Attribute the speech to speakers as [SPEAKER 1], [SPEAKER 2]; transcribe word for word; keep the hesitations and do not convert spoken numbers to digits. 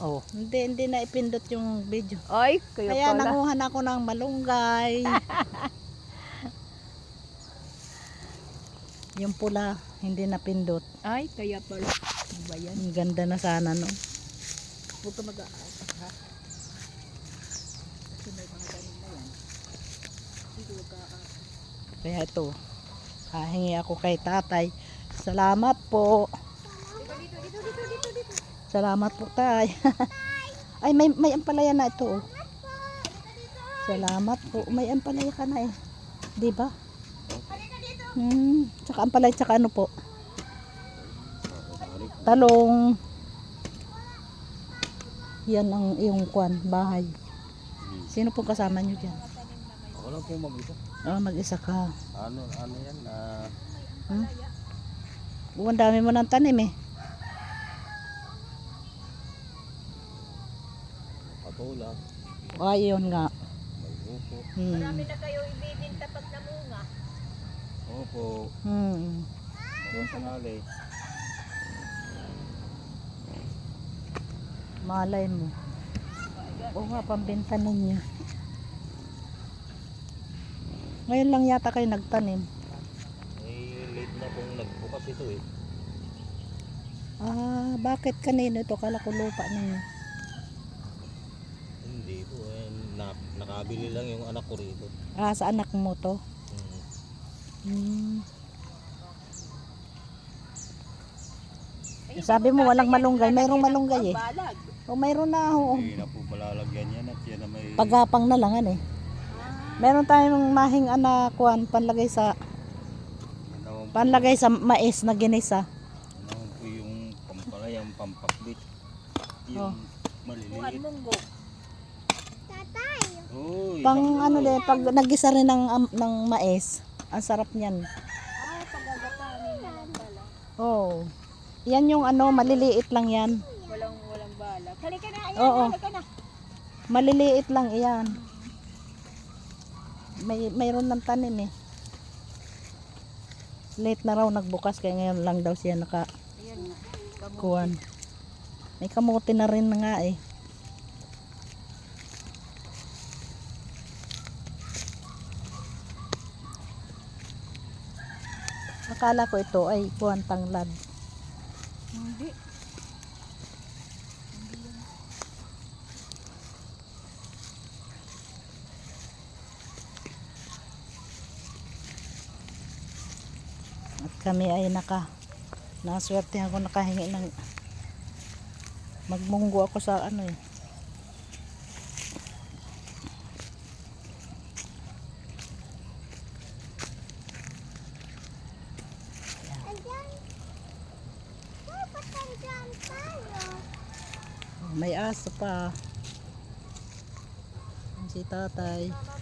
[SPEAKER 1] Oh.
[SPEAKER 2] Hindi, hindi na ipindot yung video.
[SPEAKER 1] Ay, kaya,
[SPEAKER 2] Kaya
[SPEAKER 1] pala.
[SPEAKER 2] nanguhan ako ng malunggay. Yung pula, hindi napindot.
[SPEAKER 1] Ay, kaya pala. Ano ba yan?
[SPEAKER 2] Ang ganda na sana, no?
[SPEAKER 1] Huwag ka mag-aatas, ha? Kasi may mga ganun na yan. Hindi huwag ka-aatas.
[SPEAKER 2] Kaya ito, hahingi ako kay tatay. Salamat po.
[SPEAKER 1] Dito, dito, dito, dito, dito, dito.
[SPEAKER 2] Salamat po, tay. Ay, may, may ampalaya na ito. Oh. Salamat po. May ampalaya ka na eh. Di ba? Hmm. Tsaka ampalaya, tsaka ano po? Talong. Yan ang iyong kwan, bahay. Sino pong kasama nyo dyan?
[SPEAKER 3] Ako lang po mag-isa.
[SPEAKER 2] Oh, mag-isa ka.
[SPEAKER 3] Ano, ano yan? Ah,
[SPEAKER 2] Hmm? Oh, ang dami mo ng tanim eh.
[SPEAKER 3] patula,
[SPEAKER 2] O, ayun nga.
[SPEAKER 3] may upo.
[SPEAKER 2] Hmm.
[SPEAKER 1] na kayo ibibinta pag namunga.
[SPEAKER 3] Opo,
[SPEAKER 2] Hmm.
[SPEAKER 3] mga sangali.
[SPEAKER 2] Malay mo. Oo nga, pambenta ninyo. Ngayon lang yata kayo nagtanim.
[SPEAKER 3] Eh, late na pong nagbukas ito eh.
[SPEAKER 2] Ah, bakit kanino ito? Kala ko lupa ninyo.
[SPEAKER 3] Hindi po eh. Na, nakabili lang yung anak ko rito.
[SPEAKER 2] Ah, sa anak mo to?
[SPEAKER 3] Hmm.
[SPEAKER 2] Hmm. Sabi mo walang malunggay. Mayroong malunggay eh.
[SPEAKER 1] Balag.
[SPEAKER 2] O, mayroon na ako.
[SPEAKER 3] Hindi na po malalagyan yan at yan na may...
[SPEAKER 2] Pagapang na lang ano eh. Meron tayong mahing anakuan panlagay sa
[SPEAKER 3] Yan naman po,
[SPEAKER 2] panlagay sa mais na ginisa.
[SPEAKER 3] yan naman po yung pampalayang pampakbit.
[SPEAKER 2] Oh.
[SPEAKER 3] Yung maliliit.
[SPEAKER 1] Kuhan munggo.
[SPEAKER 3] Uy,
[SPEAKER 2] Pang
[SPEAKER 3] isang
[SPEAKER 2] ano
[SPEAKER 3] kilo.
[SPEAKER 2] din, pag nagisa rin ng, am- ng mais, ang sarap niyan.
[SPEAKER 1] Ay, pagagatanin na lang pala.
[SPEAKER 2] Oh. Yan yung ano, maliliit lang yan.
[SPEAKER 1] Walang, walang balag. Halika na, ayan,
[SPEAKER 2] Oo.
[SPEAKER 1] halika na.
[SPEAKER 2] Maliliit lang iyan. May mayroon ng tanim eh. Late na raw nagbukas kaya ngayon lang daw siya naka
[SPEAKER 1] Ayan nga. Kamu-
[SPEAKER 2] kuwan. May kamote na rin na nga eh. Akala ko ito ay kuwan tanglad.
[SPEAKER 1] Hindi.
[SPEAKER 2] At kami ay naka naswerte ako nakahingi ng magmunggo ako sa ano eh. May aso pa. Si tatay.